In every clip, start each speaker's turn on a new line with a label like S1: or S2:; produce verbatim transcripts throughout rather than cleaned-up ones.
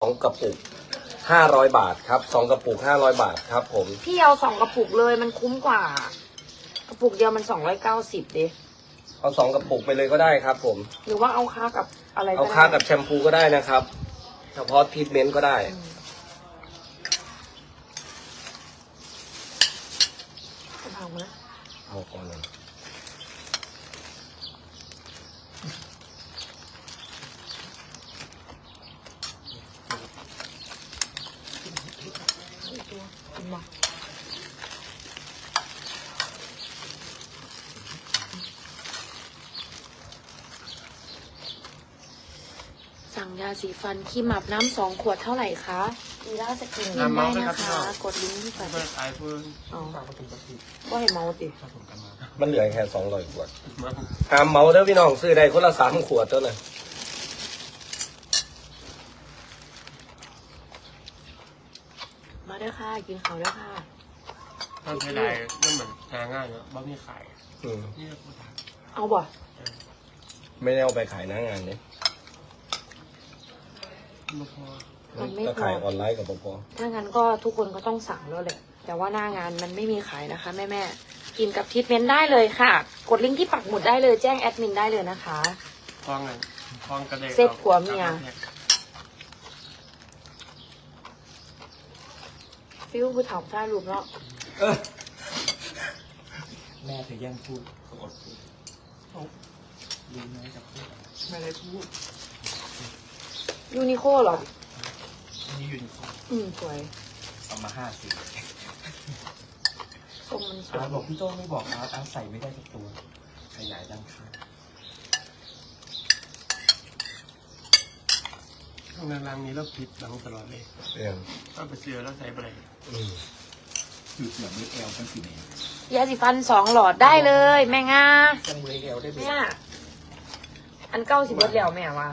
S1: องกระปุกห้าร้อยบาทครับสองกระปุกห้าร้อยบาทครับผม
S2: พี่เอาสองกระปุกเลยมันคุ้มกว่า กระปุกเดียวมันสองร้อยเก้าสิบเด้
S1: เอาสองกระปุกไปเลยก็ได้ครับผม
S2: หรือว่าเอาค่ากับอะไร
S1: เอาค่ากับแชมพูก็ได้นะครับเฉพาะทรีทเมนต์ก็ได้
S2: เอาไหม
S1: เอาก่อนเลย
S2: สั่งยาสีฟันขี้หมับน้ำสองขวดเท่าไหร่คะอีล่าสกินได้นะคะกดลิงก์ที่ใส่อ๋อก็ให้เมาติ
S1: มันเหลือแค่สองร้อยขวดหามเมาเด้อพี่น้องซื้อได้คนละสามขวดเท่านั้น
S2: มาเด้อค่ะกินข้าวเด้อค่ะ
S3: ตอนใช้ได้ก็เหมือนหาง่ายเนาะบ้ามีขาย
S2: เอาบ่
S1: ไม่ได้เอาไปขายหน้างานเนี่ย
S2: มันไม่พอ
S1: ขายออนไลน์กับพอ
S2: ถ้างั้นก็ทุกคนก็ต้องสั่งแล้วแหละแต่ว่าหน้างานมันไม่มีขายนะคะแม่แม่กินกับทรีทเมนต์ได้เลยค่ะกดลิงก์ที่ปักหมุดได้เลยแจ้งแอดมินได้เลยนะคะ
S3: คล้องเลยคล้องกระเด็น
S2: เซ็ตหัวเมียฟิวผู้ถามท่ารูปเนาะ
S4: แม่เธอแย่งพูดเขาอดพูดเขาลืมไม่จะพูดไม่ได้พูด
S2: ยูนิโคหรอ
S4: นี่ยูนิโค
S2: อืมสวย
S4: เอามาห้าสิบ
S2: ทรงมันสวย
S4: บอกพี่โต้ไม่บอกอาร์ตอาร์ตใส่ไม่ได้ทุกตัวขยายด้านข้าง
S3: ข้างในรังนี้เราผิดรังตลอดเลย
S1: เอง
S3: ถ้าไปเสือแล้วใส่ไปเลย
S4: คือเสือไม่แอลเป็นสีแดง
S2: ยาสีฟันสองหลอดได้เลยแม่งา
S4: จังเลยแอลได้ไหม
S2: อันเก้าสิบเบิร์ดแล้วแม่ว่า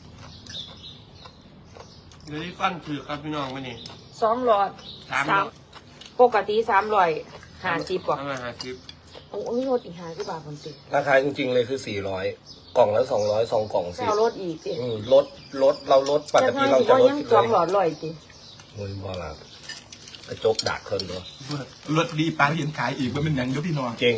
S3: เดี๋ยวนี้ฟันถือครับพี่น้องมานี่
S2: สองหลอด
S3: สาม
S2: ปกติสามร้อยห้าสิบกว่า
S3: ห้าสิบ
S2: โอ้ยลดอีกห้าสิบบาทคนติด
S1: ราคาจริงๆเลยคือสี่ร้อยกล่องละสองร้อยสองกล่องสิ
S2: เราลดอีกสิ
S1: ลดลดเราลดปกติเราจะลด
S2: ยังสองหลอดลอยสิ
S1: โอ้ยบอลกระจกดักคนตัว
S4: รถดีปลาเห็นขายอีกว่ามันยังก็พี่น้อง
S1: เก่ง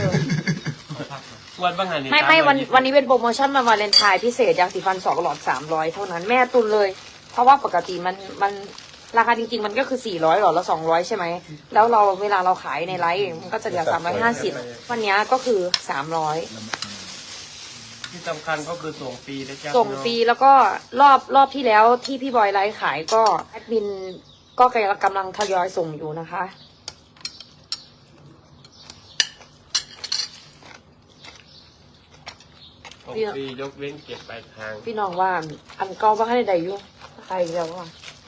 S3: วันบางงาน
S2: ไม่ไม่วันวันนี้เป็นโปรโมชั่นมาวาเลนไทน์พิเศษยาสีฟันสองหลอดสามร้อยเท่านั้นแม่ตุนเลยเพราะว่าปกติมันมันราคาจริงๆมันก็คือสี่ร้อยหลอดละสองร้อยใช่ไหมแล้วเราเวลาเราขายในไลฟ์มันก็จะเหลือสามร้อยห้าสิบวันนี้ก็คือสามร้อย
S3: ที่สำคัญก็คือส่งฟรีนะจ๊ะ
S2: ส่งฟรีแล้วก็รอบรอบที่แล้วที่พี่บอยไลฟ์ขายก็แอดมินก็กำลังทยอยส่งอยู่นะคะ
S3: ฟรียกเว้นเก็บปลายทาง
S2: พี่น้องว่าอันเก่าว่าให้ได้อยู่ใครแล้วว่า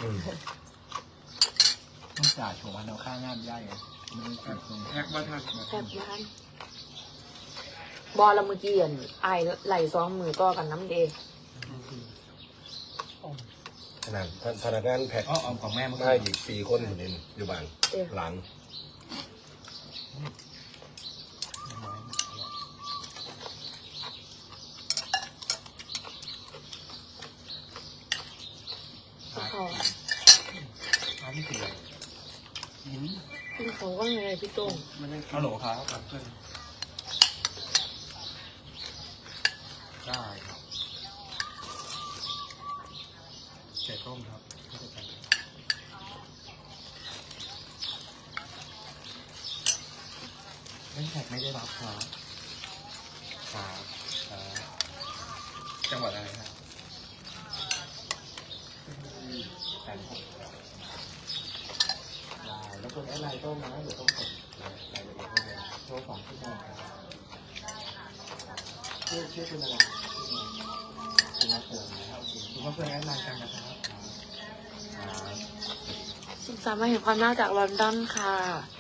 S4: ต้องจ่ายชมวันเอาค่างานย่ายไง
S3: แท็กบ้านทัก
S2: แท็กบ้านบอลละเมื่อกี้อ่ะไอไหลซ้อมมือก็กันน้ำเดย์
S1: ขนาดพนักงานแพ็ค
S4: อ๋อของแม่
S1: ได้อีกสี่คนอยู่ในอยู่บ้านหลาน
S2: เขา
S4: อันนี้คืออะไร
S2: หินพี่เขาว่าไงพี่โต้ง
S4: ฮัลโหลครับเพื่อนได้ครับไก่ต้มครับไม่แขกไม่ได้รับครับครับจังหวัดอะไรครับแปดหกได้แล้วคนแอดไลน์ต้มนะเดี๋ยวต้องกดรายละเอียดให้เลยโทรสองที่ได้ครับชื่อชื่อคุณอะไรคุณมาเปิดนะครับคุณมาเปิดแอดไลน์กันนะครับ
S2: สิบสามมาเห็นความน่าจากลอนดอนค่ะ